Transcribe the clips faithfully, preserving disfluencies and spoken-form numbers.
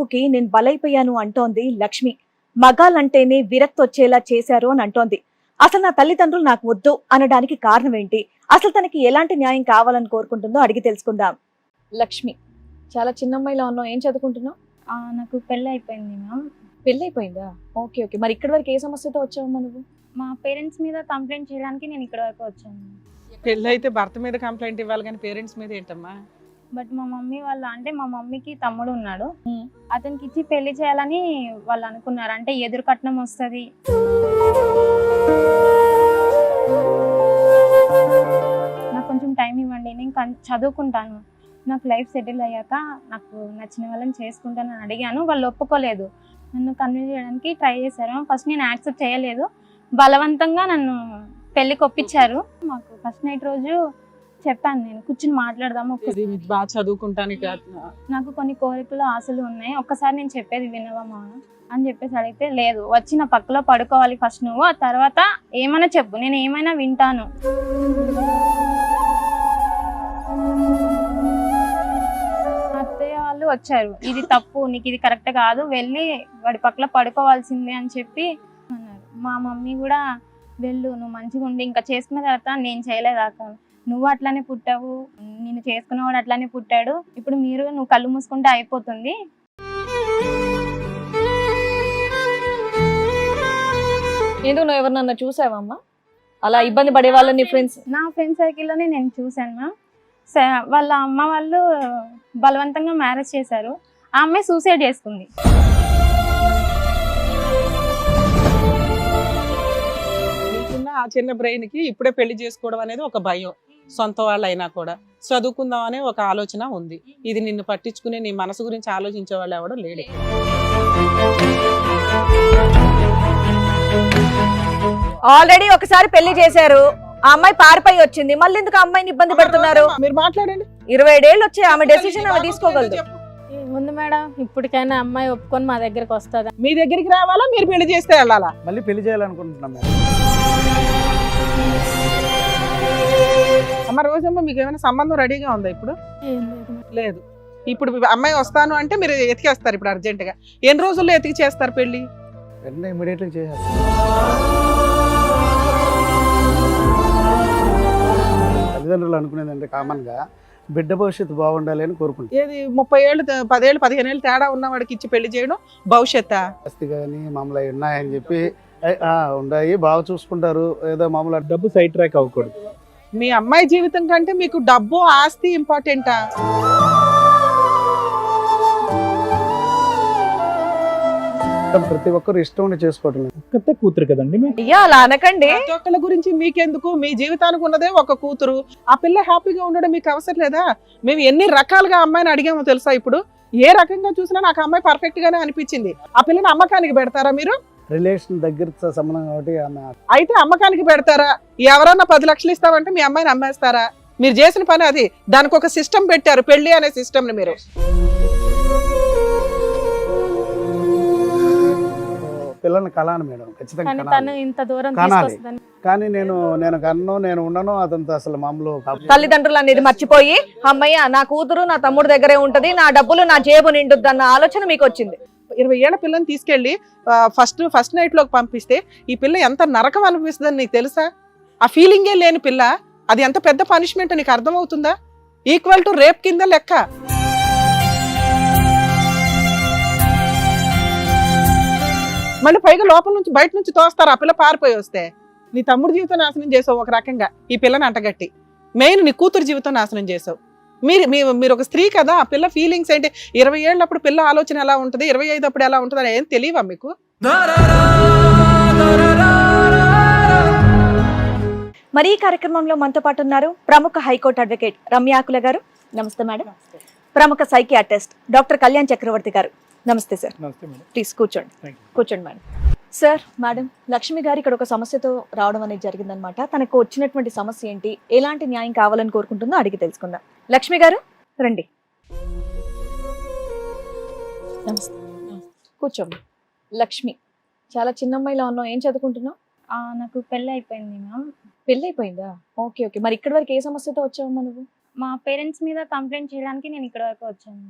డబ్బుకి నేను బలైపోయాను అంటోంది లక్ష్మి. మగాళ్ళంటేనే విరక్తి వచ్చేలా చేశారు అని అంటోంది. అసలు నా తల్లిదండ్రులు నాకు వద్దు అనడానికి కారణం ఏంటి, అసలు తనకి ఎలాంటి న్యాయం కావాలని కోరుకుంటుందో అడిగి తెలుసుకుందాం. లక్ష్మి, చాలా చిన్న అమ్మాయిలా ఉన్నావు, ఏం చదువుకుంటున్నావు? నాకు పెళ్ళి అయిపోయింది మ్యామ్. పెళ్ళి అయిపోయిందా? Okay okay. మరి ఇక్కడి వరకు ఏ సమస్యతో వచ్చావమ్మా నువ్వు? మా పేరెంట్స్ మీద కంప్లైంట్ చేయడానికి నేను ఇక్కడ వరకు వచ్చాను. పెళ్ళి అయితే భర్త మీద కంప్లైంట్ ఇవ్వాలి కానీ పేరెంట్స్ మీద ఏంటమ్మా? బట్ మా మమ్మీ వాళ్ళ అంటే మా మమ్మీకి తమ్ముడు ఉన్నాడు, అతనికి ఇచ్చి పెళ్లి చేయాలని వాళ్ళు అనుకున్నారు. అంటే ఎదురు కట్నం వస్తుంది, నాకు కొంచెం టైం ఇవ్వండి, నేను చదువుకుంటాను, నాకు లైఫ్ సెటిల్ అయ్యాక నాకు నచ్చిన వాళ్ళని చేసుకుంటాను అని అడిగాను. వాళ్ళు ఒప్పుకోలేదు, నన్ను కన్విన్స్ చేయడానికి ట్రై చేశారు. ఫస్ట్ నేను యాక్సెప్ట్ చేయలేదు, బలవంతంగా నన్ను పెళ్ళికి ఒప్పించారు. మాకు ఫస్ట్ నైట్ రోజు చెప్పాను, నేను కూర్చుని మాట్లాడదాము, బాగా చదువుకుంటానికి నాకు కొన్ని కోరికలు ఆశలు ఉన్నాయి, ఒక్కసారి నేను చెప్పేది వినవమ్మా అని చెప్పేసి అడిగితే, లేదు వచ్చి నా పక్కలో పడుకోవాలి ఫస్ట్ నువ్వు, ఆ తర్వాత ఏమైనా చెప్పు, నేను ఏమైనా వింటాను. అత్తయ్య వాళ్ళు వచ్చారు, ఇది తప్పు, నీకు ఇది కరెక్ట్ కాదు, వెళ్ళి వాడి పక్కన పడుకోవాల్సిందే అని చెప్పి అన్నారు. మా మమ్మీ కూడా వెళ్ళు, నువ్వు మంచిగా ఉండి ఇంకా చేసుకున్న తర్వాత నేను చేయలేదాక నువ్వు అట్లానే పుట్టావు, నేను చేసుకున్నవాడు అట్లానే పుట్టాడు, ఇప్పుడు మీరు నువ్వు కళ్ళు మూసుకుంటే అయిపోతుంది. ఎందుకు నువ్వు ఎవరినన్నా చూసావమ్మా అలా ఇబ్బంది పడే వాళ్ళని? ఫ్రెండ్స్, నా ఫ్రెండ్ సర్కిల్లోనే నేను చూశాను మ్యామ్. వాళ్ళ అమ్మ వాళ్ళు బలవంతంగా మ్యారేజ్ చేశారు, ఆ అమ్మాయి సూసైడ్ చేసుకుంది. ఆ చిన్న బ్రెయిన్ కి ఇప్పుడే పెళ్లి చేసుకోవడం అనేది ఒక భయం, సొంత వాళ్ళు అయినా కూడా చదువుకుందాం అనే ఒక ఆలోచన ఉంది. ఇది నిన్ను పట్టించుకునే నీ మనసు గురించి ఆలోచించే వాళ్ళు ఎవడో లేడు. ఆల్రెడీ ఒకసారి పెళ్లి చేశారు, ఆ అమ్మాయి పారిపోయి వచ్చింది, మళ్ళీ ఎందుకు అమ్మాయిని ఇబ్బంది పెడుతున్నారు? మీరు మాట్లాడండి. ఇరవై ఏళ్ళు వచ్చి ఆమె డెసిషన్ ఆమె తీసుకోగలదు. ముందు మేడం, ఇప్పటికైనా అమ్మాయి ఒప్పుకొని మా దగ్గరికి వస్తుందా? మీ దగ్గరికి రావాలా, మీరు పెళ్లి చేస్తే వెళ్ళాలా? మళ్ళీ పెళ్లి చేయాలనుకుంటున్నాం మేడం. అమ్మ రోజమ్మ, మీకు ఏమైనా సంబంధం రెడీగా ఉందా ఇప్పుడు? లేదు. ఇప్పుడు అమ్మాయి వస్తాను అంటే మీరు ఎతికేస్తారు ఇప్పుడు అర్జెంట్ గా. ఎన్ని రోజుల్లో ఎతికి చేస్తారు పెళ్లి? వెంటనే ఇమీడియట్లీ చేసేస్తారు. తల్లిదండ్రులు అనుకునేది అంటే కామన్ గా బిడ్డ భవిష్యత్తు బాగుండాలి అని కోరుకుంటారు. ఏది ముప్పై ఏళ్ళు పదేళ్ళు పదిహేను ఏళ్ళు తేడా ఉన్న వాడికి ఇచ్చి పెళ్లి చేయడం భవిష్యత్? ఆస్తి కానీ మామూలు అవి ఉన్నాయని చెప్పి ఉన్నాయి, బాగా చూసుకుంటారు, ఏదో మామూలు డబ్బు సైడ్ ట్రాక్ అవ్వకూడదు. మీ అమ్మాయి జీవితం కంటే మీకు డబ్బు ఆస్తి ఇంపార్టెంటా? ప్రతి ఒక్కరు ఇష్టం ఉండి చేసుకోవటం. ఒక్కతే కూతురు కదండి. అయ్యా అలా అనకండి. ప్రతి ఒక్కళ్ళ గురించి మీకెందుకు? మీ జీవితానికి ఉన్నదే ఒక కూతురు, ఆ పిల్ల హ్యాపీగా ఉండడం మీకు అవసరం లేదా? మేము ఎన్ని రకాలుగా అమ్మాయిని అడిగామో తెలుసా? ఇప్పుడు ఏ రకంగా చూసినా నాకు అమ్మాయి పర్ఫెక్ట్ గానే అనిపించింది. ఆ పిల్లని అమ్మకానికి పెడతారా మీరు? రిలేషన్ దగ్గర సంబంధం కాబట్టి అయితే అమ్మకానికి పెడతారా? ఎవరన్నా పది లక్షలు ఇస్తామంటే మీ అమ్మాయిని అమ్మేస్తారా? మీరు చేసిన పని అది. దానికి ఒక సిస్టమ్ పెట్టారు, పెళ్లి అనే సిస్టమ్ ని మీరు. పిల్లల్ని కలాను మేడం, ఖచ్చితంగా ఇంత దూరం కనాలి. కానీ నేను నేను కన్ను నేను ఉండను, అతనితో అసలు మామూలు తల్లిదండ్రులు అనేది మర్చిపోయి, అమ్మయ్య నా కూతురు నా తమ్ముడు దగ్గరే ఉంటది, నా డబ్బులు నా జేబు నిండుద్ది అన్న ఆలోచన మీకు వచ్చింది. ఇరవై ఏళ్ల పిల్లని తీసుకెళ్లి ఫస్ట్ ఫస్ట్ నైట్ లోకి పంపిస్తే ఈ పిల్ల ఎంత నరకం అనిపిస్తుందని నీకు తెలుసా? ఆ ఫీలింగే లేని పిల్ల, అది ఎంత పెద్ద పనిష్మెంట్ నీకు అర్థమవుతుందా? ఈక్వల్ టు రేప్ కింద లెక్క. మళ్ళీ పైగా లోపల నుంచి బయట నుంచి తోస్తారు ఆ పిల్ల పారిపోయి వస్తే. నీ తమ్ముడు జీవితం నాశనం చేసావు ఒక రకంగా, ఈ పిల్లని అంటగట్టి. మెయిన్ నీ కూతురు జీవితం నాశనం చేసావు. మీరు మీరు ఒక స్త్రీ కదా, ఆ పిల్ల ఫీలింగ్స్ ఏంటి? ఇరవై ఏళ్ళప్పుడు పిల్ల ఆలోచన ఎలా ఉంటుంది, ఇరవై ఐదు అప్పుడు ఎలా ఉంటుంది అని ఏం తెలియవా మీకు? మరి ఈ కార్యక్రమంలో మనతో పాటు ఉన్నారు ప్రముఖ హైకోర్టు అడ్వకేట్ రమ్యాకుల గారు. నమస్తే మేడం. ప్రముఖ సైకియాట్రిస్ట్ డాక్టర్ కళ్యాణ్ చక్రవర్తి గారు. నమస్తే సార్. ప్లీజ్ కూర్చోండి. కూర్చోండి మేడం. సార్, మేడం, లక్ష్మి గారు ఇక్కడ ఒక సమస్యతో రావడం అనేది జరిగిందనమాట. తనకు వచ్చినటువంటి సమస్య ఏంటి, ఎలాంటి న్యాయం కావాలని కోరుకుంటుందో అడిగి తెలుసుకుందాం. లక్ష్మి గారు రండి. నమస్తే. కూర్చోండి. లక్ష్మి, చాలా చిన్న అమ్మాయిలా ఉన్నావు, ఏం చదువుకుంటున్నావు? నాకు పెళ్ళి అయిపోయింది మ్యామ్. పెళ్ళి అయిపోయిందా? Okay okay. మరి ఇక్కడి వరకు ఏ సమస్యతో వచ్చావమ్మా నువ్వు? మా పేరెంట్స్ మీద కంప్లైంట్ చేయడానికి నేను ఇక్కడ వరకు వచ్చాను.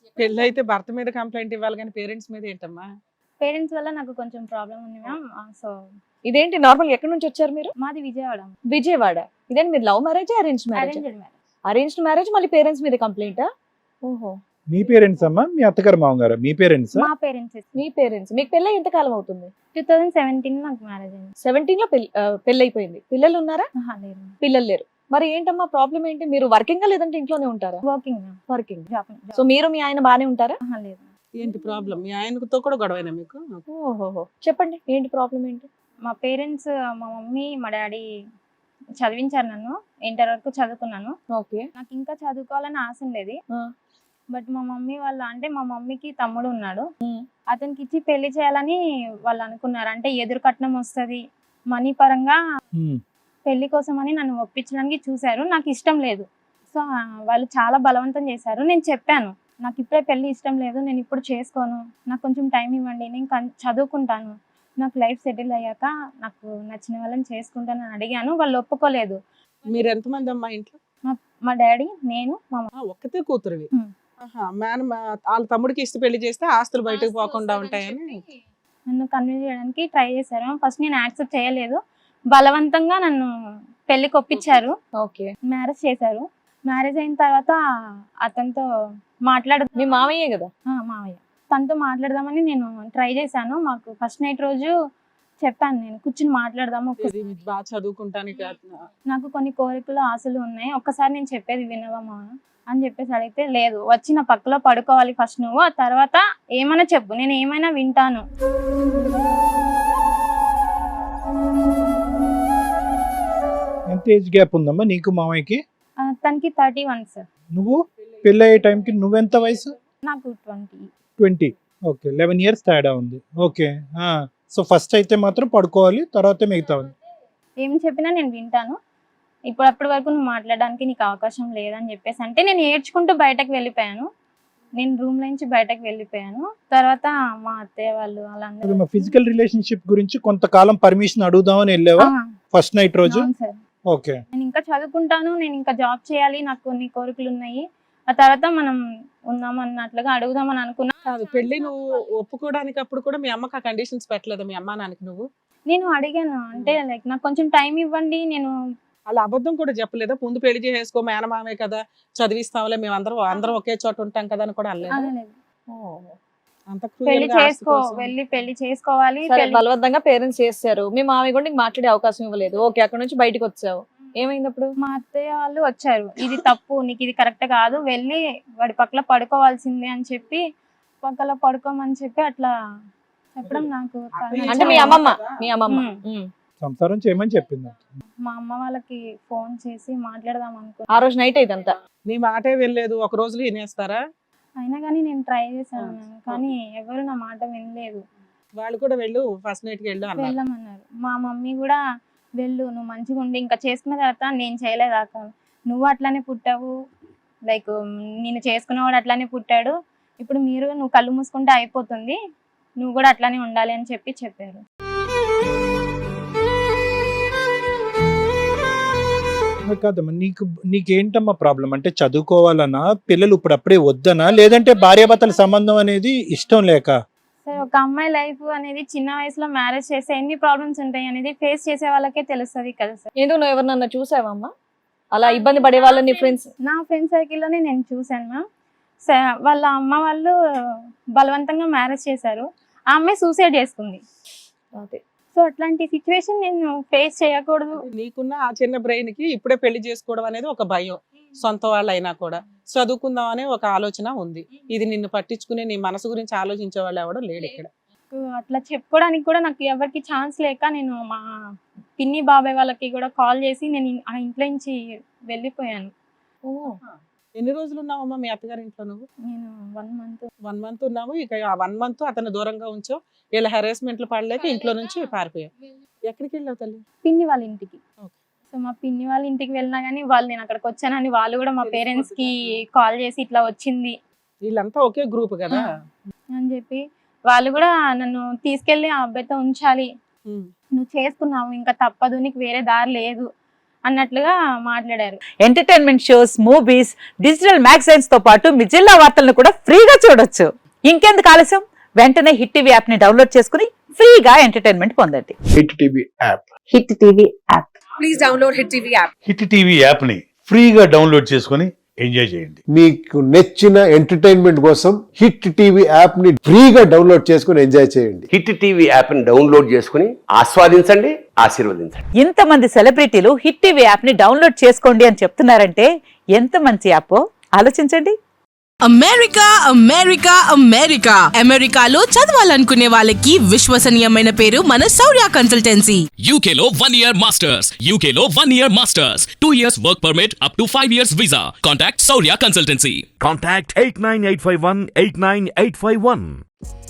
పెళ్ళి అయితే భర్త మీద కంప్లైంట్ ఇవ్వాలి కానీ పేరెంట్స్ మీద ఏంటమ్మా? పేరెంట్స్ వల్ల నాకు కొంచెం ప్రాబ్లం ఉంది మ్యామ్. సో ఇదేంటి నార్మల్ ఎక్కడి నుంచి వచ్చారు మీరు? మాది విజయవాడ. విజయవాడ. ఇదేంటి మీరు love marriage arrange marriage? Arranged marriage. Arranged marriage మళ్ళీ పేరెంట్స్ మీద కంప్లైంటా? ఓహో, మీ పేరెంట్స్ అమ్మా, మీ అత్తగారు మామగారు, మీ పేరెంట్స్? మా పేరెంట్స్. మీ పేరెంట్స్. మీకు పెళ్ళి ఎంత కాలం అవుతుంది? టూ థౌజండ్ సెవెంటీన్ నాకు మ్యారేజ్ అయింది. సెవెంటీన్ లో పెళ్లి పెళ్ళి అయిపోయింది. పిల్లలు ఉన్నారా? ఆహా, లేదు. పిల్లలు లేరు. మరి ఏంటమ్మా ప్రాబ్లం ఏంటి? మీరు వర్కింగ్ లేదంటే ఇంట్లోనే ఉంటారా? Working ma'am. Working. Job. So మీరు మీ ఆయన బానే ఉంటారా? ఆహా, లేదు. ఏంటి ప్రాబ్లం? మీ ఆయనతో కూడా గొడవైనా మీకు? ఓహోహో, చెప్పండి ఏంటి ప్రాబ్లం ఏంటి? మా పేరెంట్స్, మా మమ్మీ మా డాడీ చదివించారు నన్ను. ఇంటర్ వరకు చదువుకున్నాను. ఓకే. నాకు ఇంకా చదువుకోవాలని ఆశ ఉండేది. ఆ. బట్ మా మమ్మీ వాళ్ళ అంటే మా మమ్మీకి తమ్ముడు ఉన్నాడు. ఉమ్. అతనికి ఇచ్చి పెళ్లి చేయాలని వాళ్ళు అనుకున్నారు. అంటే ఎదురు కట్నం వస్తుంది, మనీ పరంగా ఉమ్. పెళ్లి కోసం అని నన్ను ఒప్పించడానికి చూశారు. నాకు ఇష్టం లేదు. సో ఆ, వాళ్ళు చాలా బలవంతం చేశారు. నేను చెప్పాను, నాకు ఇప్పుడే పెళ్లి ఇష్టం లేదు, నేను ఇప్పుడు చేసుకోను, నాకు కొంచెం టైం ఇవ్వండి, నేను కన్- చదువుకుంటాను, నాకు లైఫ్ సెటిల్ అయ్యాక నాకు నచ్చిన వాళ్ళని చేసుకుంటానని అడిగాను. వాళ్ళు ఒప్పుకోలేదు. మీరు ఎంతమంది అమ్మా ఇంట్లో? మా డాడీ, నేను, మా ఆ, ఒక్కతే కూతురువి. ఉమ్. ఆహా, మేన వాళ్ళ తమ్ముడికి ఇష్ట పెళ్లి చేస్తే ఆస్తులు బయటకు పోకుండా ఉంటాయని. నన్ను కన్విన్స్ చేయడానికి ట్రై చేశారు. ఫస్ట్ నేను యాక్సెప్ట్ చేయలేదు. బలవంతంగా నన్ను పెళ్లికి ఒప్పించారు. ఓకే. మ్యారేజ్ చేశారు. మ్యారేజ్ అయిన తర్వాత అతనితో మాట్లాడ మీ మామయ్యే కదా? ఆ, మావయ్య తనతో మాట్లాడదామని నేను ట్రై చేశాను. మాకు ఫస్ట్ నైట్ రోజు చెప్పాను, నేను కూర్చుని మాట్లాడదాము, ఒక్క- ఇది బాగా చదువుకుంటానికి నాకు కొన్ని కోరికలు ఆశలు ఉన్నాయి, ఒక్కసారి నేను చెప్పేది వినవమ్మా అని చెప్పేసి అడిగితే, లేదు, వచ్చి నా పక్కలో పడుకోవాలి ఫస్ట్ నువ్వు, ఆ తర్వాత ఏమైనా చెప్పు, నేను ఏమైనా వింటాను. ఎంత ఏజ్ గ్యాప్ ఉందమ్మా నీకు మామయ్యకి? ఆ, తనకి థర్టీ వన్ సార్. నువ్వు పెళ్ళి అయ్యే టైంకి నువ్వెంత వయసు? నాకు twenty. Twenty. Okay, eleven years తేడా ఉంది. ఓకే. సో ఫస్ట్ అయితే మాత్రం పడుకోవాలి, తర్వాత మిగతా ఏం చెప్పినా నేను వింటాను, ఇప్పుడు అప్పటి వరకు నువ్వు మాట్లాడడానికి నీకు అవకాశం లేదని చెప్పేసి అంటే నేను ఏడ్చుకుంటూ బయటకు వెళ్ళిపోయాను. నేను రూమ్ నుంచి బయటకు వెళ్ళిపోయాను. తర్వాత మా అత్తయ్య వాళ్ళు వాళ్ళందరూ ఫిజికల్ రిలేషన్షిప్ గురించి కొంతకాలం పర్మిషన్ అడుగుదామని వెళ్ళావా ఆ, ఫస్ట్ నైట్ రోజు? అవును సార్. ఓకే. నేను ఇంకా చదువుకుంటాను, నేను ఇంకా జాబ్ చేయాలి, నాకు కొన్ని కోరికలు ఉన్నాయి, ఆ తర్వాత మనం ఉందాం అన్నట్లుగా అడుగుదామని అనుకున్నా. కాదు, పెళ్లి నువ్వు ఒప్పుకోవడానికి అప్పుడు కూడా మీ అమ్మకి ఆ కండిషన్స్ పెట్టలేదు మీ అమ్మా నాన్నకి నువ్వు? నేను అడిగాను, అంటే లైక్ నాకు కొంచెం టైం ఇవ్వండి, నేను అలా అబద్ధం కూడా చెప్పలేదా? ముందు పెళ్లి చేసేసుకో, మేనమామే కదా, చదివిస్తాంలే, మేము అందరం అందరం ఒకే చోట ఉంటాం కదా అని కూడా అనలేదు? అనలేదు. అంత పెళ్లి cruel గా ఆస్తి చేసుకో, కోసం. వెళ్ళి పెళ్లి చేసుకోవాలి. సరే, పెళ్లి- బలవంతంగా పేరెంట్స్ చేస్తారు. మీ మామయ్య కూడా నీకు మాట్లాడే అవకాశం ఇవ్వలేదు. ఓకే, అక్కడ నుంచి బయటకు వచ్చావు. ఏమైంది అప్పుడు? మా అత్తయ్య వాళ్ళు వచ్చారు, ఇది తప్పు, నీకు ఇది కరెక్ట్ కాదు, వెళ్ళి వాడి పక్కల పడుకోవాల్సిందే అని చెప్పి పక్కల పడుకోమని చెప్పి అట్లా చెప్పడం నాకు చాలా- అంటే మీ అమ్మమ్మ మీ అమ్మమ్మ ఉమ్. ఉమ్. సంసారం చేయమని చెప్పింది. మా అమ్మ వాళ్ళకి ఫోన్ చేసి మాట్లాడదాం అనుకున్నా. ఆ రోజు నైట్ ఇదంతా. నీ మాటే వెళ్ళలేదు, ఒక రోజులో వినేస్తారా? అయినా కానీ నేను ట్రై చేశాను మ్యామ్, కానీ ఎవరు నా మాట వినలేదు. వాళ్ళు కూడా వెళ్ళు, ఫస్ట్ నైట్ కి వెళ్ళు అన్నారు. వెళ్ళమన్నారు. మా మమ్మీ కూడా వెళ్ళు, నువ్వు మంచిగా ఉండి ఇంకా చేసుకున్న తర్వాత నేను చేయలేదాక నువ్వు అట్లానే పుట్టావు, లైక్ నేను చేసుకున్నవాడు అట్లానే పుట్టాడు, ఇప్పుడు మీరు నువ్వు కళ్ళు మూసుకుంటే అయిపోతుంది, నువ్వు కూడా అట్లానే ఉండాలి అని చెప్పి చెప్పారు. కాదమ్మా, నీకు నీకేంటమ్మా ప్రాబ్లం? అంటే చదువుకోవాలన్నా, పిల్లలు ఇప్పుడు అప్పుడే వద్దనా, లేదంటే భార్యాభర్తల సంబంధం అనేది ఇష్టం లేక? సరే, ఒక అమ్మాయి లైఫ్ అనేది చిన్న వయసులో మ్యారేజ్ చేస్తే ఎన్ని ప్రాబ్లమ్స్ ఉంటాయి అనేది ఫేస్ చేసే వాళ్ళకే తెలుస్తుంది కదా సార్. ఎందుకు నువ్వు ఎవరినన్నా చూసావమ్మా అలా ఇబ్బంది పడే వాళ్ళని? ఫ్రెండ్స్? నా ఫ్రెండ్ సర్కిల్లోనే నేను చూశాను మ్యామ్. స- వాళ్ళ అమ్మ వాళ్ళు బలవంతంగా మ్యారేజ్ చేశారు, ఆ అమ్మాయి సూసైడ్ చేసుకుంది. అదే. సో అట్లాంటి సిచ్యువేషన్ నేను ఫేస్ చేయకూడదు. నీకున్న ఆ చిన్న బ్రెయిన్ కి ఇప్పుడే పెళ్లి చేసుకోవడం అనేది ఒక భయం, సొంత వాళ్ళు అయినా కూడా చదువుకుందాం అనే ఒక ఆలోచన ఉంది. ఇది నిన్ను పట్టించుకునే నీ మనసు గురించి ఆలోచించే వాళ్ళు ఎవడో లేడు ఇక్కడ. నాకు అట్లా చెప్పుకోవడానికి కూడా నాకు ఎవరికి ఛాన్స్ లేక నేను మా పిన్ని బాబాయ్ వాళ్ళకి కూడా కాల్ చేసి నేను ఆ ఇంట్లో నుంచి వెళ్ళిపోయాను. ఓ. ఎన్ని రోజులు ఉన్నావమ్మా మీ అత్తగారి ఇంట్లో నువ్వు? నేను వన్ మంత్ వన్ మంత్ ఉన్నావు. ఇక ఆ వన్ మంత్ అతను దూరంగా ఉంచావు, ఇలా హెరాస్మెంట్లు పడలేక ఇంట్లో నుంచి పారిపోయావు. ఎక్కడికి వెళ్ళావు తల్లి? పిన్ని వాళ్ళ ఇంటికి. Okay. సో మా పిన్ని వాళ్ళ ఇంటికి వెళ్ళినా కానీ వాళ్ళు నేను అక్కడికి వచ్చానని వాళ్ళు కూడా మా పేరెంట్స్ కి కాల్ చేసి ఇట్లా వచ్చింది వీళ్ళంతా ఒకే గ్రూప్ కదా. అని చెప్పి వాళ్ళు కూడా నన్ను తీసుకెళ్లి ఆ అబ్బాయితో ఉంచాలి, ఉమ్. నువ్వు చేసుకున్నావు ఇంకా తప్పదు, నీకు వేరే దారి లేదు అన్నట్లుగా మాట్లాడారు. Entertainment shows, movies, digital magazines తో పాటు మీ జిల్లా వార్తలను కూడా ఫ్రీగా చూడొచ్చు. ఇంకెందుకు ఆలస్యం, వెంటనే హిట్ టీవీ యాప్ ని డౌన్లోడ్ చేసుకుని ఫ్రీగా ఎంటర్టైన్మెంట్ పొందండి. Hit TV app. Hit TV app. Please download hit TV app. Hit TV app ని ఫ్రీగా డౌన్లోడ్ చేసుకొని ఎంజాయ్ చేయండి. మీకు నచ్చిన ఎంటర్టైన్మెంట్ కోసం హిట్ టీవీ యాప్ ని ఫ్రీగా డౌన్లోడ్ చేసుకుని ఎంజాయ్ చేయండి. హిట్ టీవీ యాప్ ని డౌన్లోడ్ చేసుకుని ఆస్వాదించండి, ఆశీర్వదించండి. ఇంతమంది సెలబ్రిటీలు హిట్ టీవీ యాప్ ని డౌన్లోడ్ చేసుకోండి అని చెప్తున్నారంటే ఎంత మంచి యాప్ ఆలోచించండి. అమెరికా అమెరికా అమెరికా అమెరికాలో చదవాలనుకునే వాళ్ళకి విశ్వసనీయమైన పేరు మన శౌర్య కన్సల్టెన్సీ. యూకేలో వన్ ఇయర్ మాస్టర్స్, యూకేలో one year masters, two years work permit, up to five years visa. Contact Shaurya consultancy. Contact eight nine eight five one eight nine eight five one.